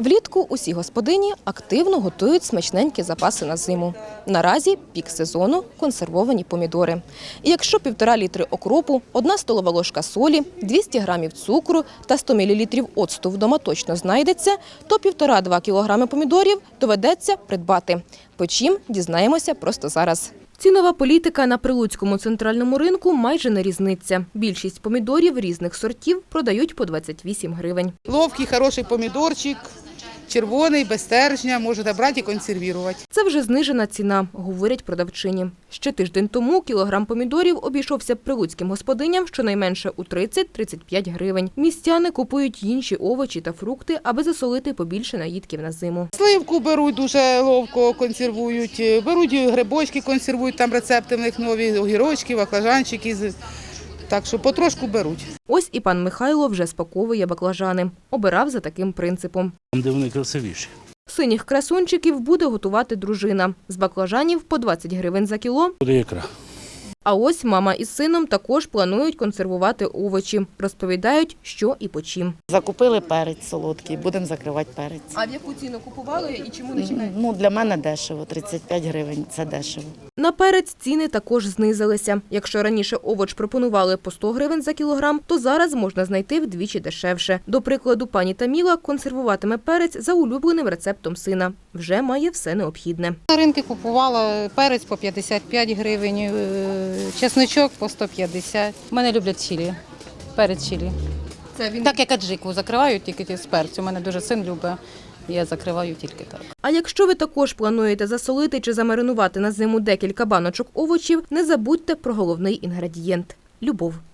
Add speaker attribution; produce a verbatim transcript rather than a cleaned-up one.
Speaker 1: Влітку усі господині активно готують смачненькі запаси на зиму. Наразі пік сезону – консервовані помідори. І якщо півтора літри окропу, одна столова ложка солі, двісті грамів цукру та сто мілілітрів оцту вдома точно знайдеться, то півтора-два кілограми помідорів доведеться придбати. По чим – дізнаємося просто зараз. Цінова політика на Прилуцькому центральному ринку майже не різниця. Більшість помідорів різних сортів продають по двадцять вісім гривень.
Speaker 2: Ловкий, хороший помідорчик, червоний, без стержня, можете брати і консервувати.
Speaker 1: Це вже знижена ціна, говорять продавчині. Ще тиждень тому кілограм помідорів обійшовся прилуцьким господиням щонайменше у тридцять-тридцять п'ять гривень. Містяни купують інші овочі та фрукти, аби засолити побільше наїдків на зиму.
Speaker 2: Сливку беруть, дуже ловко консервують, беруть грибочки, консервують, там рецепти в них нові, огірочки, баклажанчики. Так що потрошку беруть.
Speaker 1: Ось і пан Михайло вже спаковує баклажани. Обирав за таким принципом.
Speaker 3: Там, де вони красивіші.
Speaker 1: Синіх красунчиків буде готувати дружина. З баклажанів по двадцять гривень за кіло.
Speaker 3: Буде ікра.
Speaker 1: А ось мама із сином також планують консервувати овочі. Розповідають, що і по чим.
Speaker 4: Закупили перець солодкий, будемо закривати перець.
Speaker 1: А в яку ціну купували і чому
Speaker 4: Ну, для мене дешево, тридцять п'ять гривень – це дешево.
Speaker 1: На перець ціни також знизилися. Якщо раніше овоч пропонували по сто гривень за кілограм, то зараз можна знайти вдвічі дешевше. До прикладу, пані Таміла консервуватиме перець за улюбленим рецептом сина. Вже має все необхідне.
Speaker 5: На ринку купувала перець по п'ятдесят п'ять гривень, чесночок по сто п'ятдесят. Мене люблять чилі, перець чилі.
Speaker 1: Це він...
Speaker 5: Так як аджику закриваю тільки з перцю. У мене дуже син любить, я закриваю тільки так.
Speaker 1: А якщо ви також плануєте засолити чи замаринувати на зиму декілька баночок овочів, не забудьте про головний інгредієнт – любов.